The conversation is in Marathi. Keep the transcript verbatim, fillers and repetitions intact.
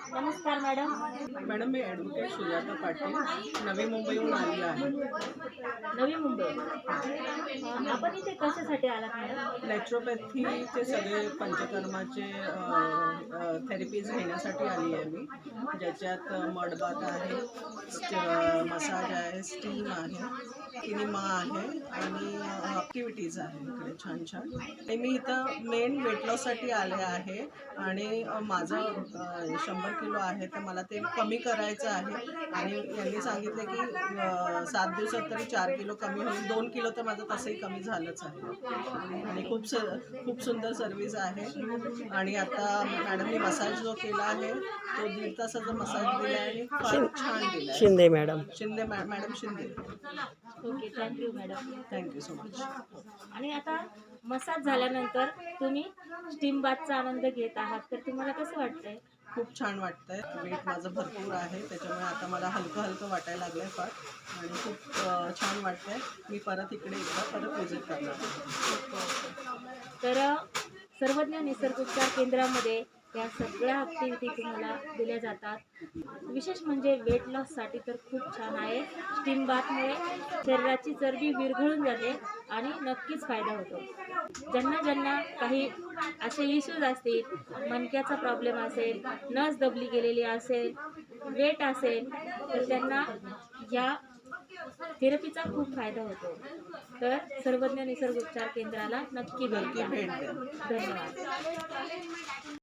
नमस्कार मॅडम. मॅडम मी ॲडव्होकेट सुजाता पाटील नवी मुंबईहून आली आहे. नवी मुंबई. अं, आपण इथे कशासाठी आलात मॅडम? नॅचरोपॅथीचे सगळे पंचकर्माचे थेरपीज घेण्यासाठी आली आहे मी, ज्याच्यात मडबाथ आहे, मसाज आहे, स्टीम आहे, किनिमा आहे आणि ॲक्टिव्हिटीज आहे इकडे छान छान. आणि मी इथं मेन वेट लॉससाठी आले आहे आणि अ, माझं अ, शंभर किलो आहे तर मला ते कमी करायचं आहे आणि यांनी सांगितले की अ, सात दिवसात तरी चार किलो कमी होईल. दोन किलो तर माझं तसंही कमी झालंच आहे आणि खूप स खूप सुंदर सर्विस आहे. आणि आता मॅडमनी मसाज जो केला आहे तो दीड तासाचा मसाज दिला आहे आणि फार छान दिला आहे. शिंदे मॅडम. शिंदे मॅ madam Shinde. Okay, thank you madam. Thank you so much. आणि आता मसाज झाल्यानंतर तुम्ही स्टीम बाथचा आनंद घेत आहात, तर तुम्हाला कसं वाटतंय? खूप छान वाटतंय. वेट माझं भरपूर आहे त्याच्यामुळे आता मला हलकं हलकं वाटायला लागलं आहे फार आणि खूप अ, छान वाटतंय. मी परत इकडे एकदा परत विजिट करणार आहे. तर सर्वज्ञ निसर्गोपचार केंद्रामध्ये या सगळ्या ॲक्टिव्हिटी तुम्हाला दिल्या जातात. विशेष म्हणजे वेट लॉससाठी तर खूप छान आहे. स्टीम बाथमुळे शरीराची चरबी विरघळून जाते आणि नक्कीच फायदा होतो. ज्यांना ज्यांना काही असे इश्यूज असतील, मणक्याचा प्रॉब्लेम असेल, नस दबली गेलेली असेल, वेट असेल, तर त्यांना या थेरपीचा खूप फायदा होतो. तर सर्वज्ञ निसर्गोपचार केंद्राला नक्की भेट नक्की द्या. भेट द्या. धन्यवाद.